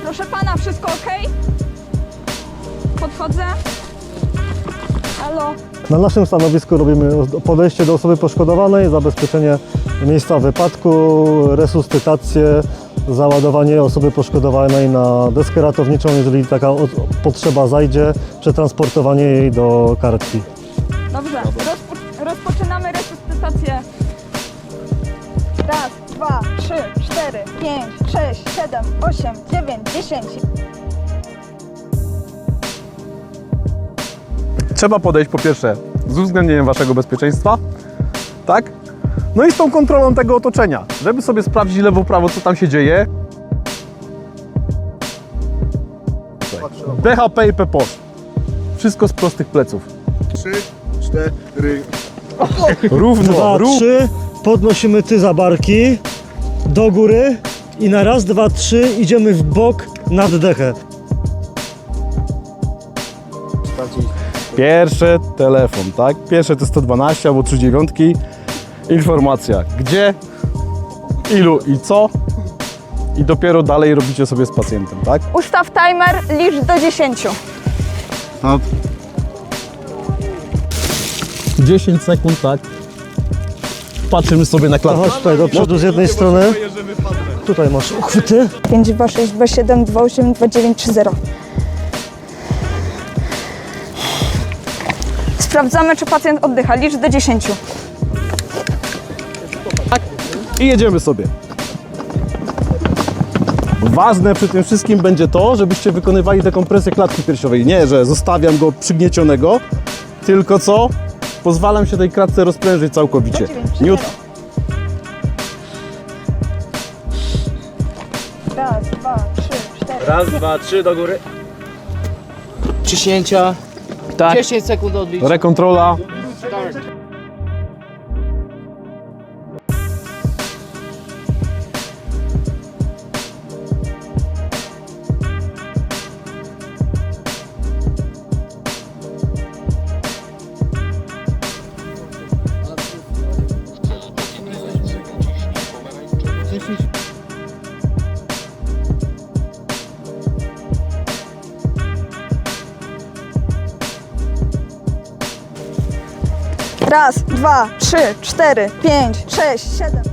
Proszę pana, wszystko ok? Podchodzę. Halo? Na naszym stanowisku robimy podejście do osoby poszkodowanej, zabezpieczenie miejsca wypadku, resuscytację, załadowanie osoby poszkodowanej na deskę ratowniczą, jeżeli taka potrzeba zajdzie, przetransportowanie jej do karetki. Dobrze, rozpoczynamy resuscytację. Raz, 2, 3, 4, 5, 6, 7, 8, 9, 10. Trzeba podejść po pierwsze z uwzględnieniem waszego bezpieczeństwa, tak? No i z tą kontrolą tego otoczenia, żeby sobie sprawdzić lewo, prawo, co tam się dzieje. BHP i PPOS. Wszystko z prostych pleców. 3, 4. Równo, 2, 3, podnosimy za barki do góry i na raz, 2, 3 idziemy w bok nad dechę. Pierwszy telefon, tak? Pierwsze to 112 albo 39. Informacja, gdzie, ilu i co. I dopiero dalej robicie sobie z pacjentem, tak? Ustaw timer, licz do 10. 10 sekund, tak? Patrzymy sobie na To klatkę. chodź tutaj do przodu z jednej strony. Tutaj masz uchwyty. 5, 2, 6, 2, 7, 2, 8, 2, 9, 3, 0. Sprawdzamy, czy pacjent oddycha. Licz do 10. I jedziemy sobie. Ważne przy tym wszystkim będzie to, żebyście wykonywali dekompresję klatki piersiowej. Nie, że zostawiam go przygniecionego, tylko co? Pozwalam się tej klatce rozprężyć całkowicie. Nie Raz, 2, 3, 4. Raz, 2, 3 do góry. Ciśnięcia. Tak. 10 sekund odlicz. Rekontrola. Raz, 2, 3, 4, 5, 6, 7.